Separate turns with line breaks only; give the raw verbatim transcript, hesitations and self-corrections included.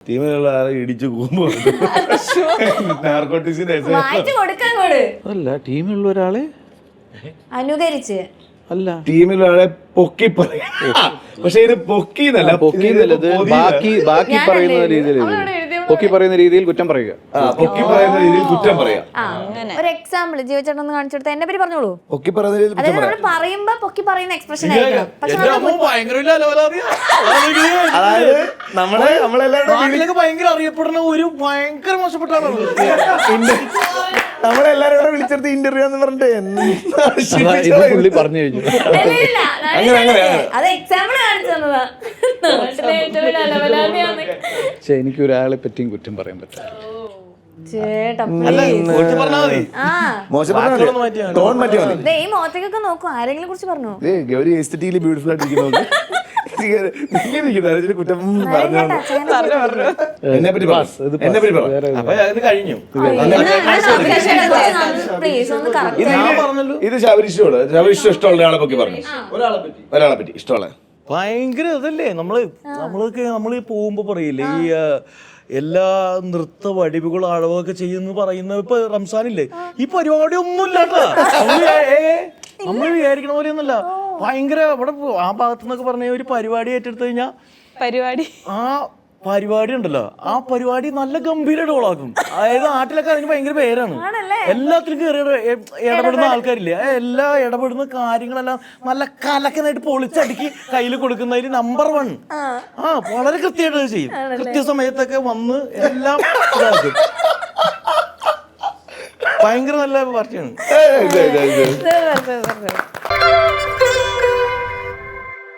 ടീമിലുള്ള ആളെ ഇടിച്ചു കൂമ്പോ നാർക്കോട്ടിക്സിന്റെ
അല്ല ടീമിലുള്ള ഒരാളെ
അനുകരിച്ച്
അല്ല ടീമിലുള്ള ആളെ പൊക്കി പറയാം. പക്ഷെ ഇത് പൊക്കി എന്നല്ല,
പൊക്കി എന്നുള്ളത് ബാക്കി ബാക്കി പറയുന്ന രീതിയിൽ പൊക്കി പറയുന്ന രീതിയിൽ കുറ്റം പറയുക.
പൊക്കി പറയുന്ന രീതിയിൽ കുറ്റം പറയാം.
ഒരു എക്സാമ്പിൾ ജീവചേട്ടൻ ഒന്ന് കാണിച്ചു കൊടുത്താൽ എന്നെ പറ്റി പറഞ്ഞോളൂ.
പൊക്കി പറയുന്ന രീതിയിൽ കുറ്റം പറയാം.
നമ്മൾ പറയുമ്പോ പൊക്കി പറയുന്ന എക്സ്പ്രഷൻ ആയിരിക്കണം. പക്ഷെ
അതായത് നമ്മളെ നമ്മളെല്ലാവരും
ഭയങ്കര അറിയപ്പെടുന്ന ഒരു ഭയങ്കര മോശപ്പെട്ട
നമ്മളെല്ലാരും കൂടെ വിളിച്ചെടുത്ത് ഇന്റർവ്യൂ എന്ന് പറഞ്ഞിട്ട്
പുള്ളി പറഞ്ഞു കഴിഞ്ഞു.
അത് എക്സാമ്പിൾ കാണിച്ചു തന്നതാ.
പക്ഷെ എനിക്ക് ഒരാളെ പറ്റിയും കുറ്റം പറയാൻ പറ്റില്ല.
ഈ മോത്തേക്കൊക്കെ നോക്കൂ, ആരെങ്കിലും കുറിച്ച് പറഞ്ഞു.
ഗൗരി എസ്തെറ്റിക്കലി ബ്യൂട്ടിഫുൾ ആയിട്ടിരിക്കുന്നു. കുറ്റം എന്നെ പറ്റി എന്നെ പറ്റി
കഴിഞ്ഞു.
ഇത് ശബരിഷ്ടോട് ശബരിഷ്ട ഇഷ്ടമുള്ള ഒരാളെ പറ്റി പറഞ്ഞു. ഒരാളെ പറ്റി ഇഷ്ടമുള്ള
ഭയങ്കര ഇതല്ലേ നമ്മള് നമ്മളൊക്കെ നമ്മള് പോകുമ്പോ പറയില്ലേ ഈ എല്ലാ നൃത്ത വടിവുകളും അളവൊക്കെ ചെയ്യുന്ന പറയുന്ന ഇപ്പൊ റംസാനില്ലേ, ഈ പരിപാടി ഒന്നുമില്ലാട്ടാ. നമ്മള് വിചാരിക്കണ പോലെ ഒന്നുമല്ല. ഭയങ്കര അവിടെ ആ ഭാഗത്തു നിന്നൊക്കെ പറഞ്ഞ ഒരു പരിപാടി ഏറ്റെടുത്തു കഴിഞ്ഞാ
പരിപാടി
ആ പരിപാടി ഉണ്ടല്ലോ, ആ പരിപാടി നല്ല ഗംഭീര ഡോളാക്കും. അതായത് നാട്ടിലൊക്കെ അതിന് ഭയങ്കര പേരാണ്. എല്ലാത്തിനും കയറി ഇടപെടുന്ന ആൾക്കാരില്ലേ, എല്ലാ ഇടപെടുന്ന കാര്യങ്ങളെല്ലാം നല്ല കലക്കനായിട്ട് പൊളിച്ചടുക്കി കയ്യിൽ കൊടുക്കുന്നതിൽ നമ്പർ വൺ. ആ വളരെ കൃത്യമായിട്ട് ചെയ്യും. കൃത്യസമയത്തൊക്കെ വന്ന് എല്ലാം ഇതാക്കും. ഭയങ്കര നല്ല പാർട്ടിയാണ്.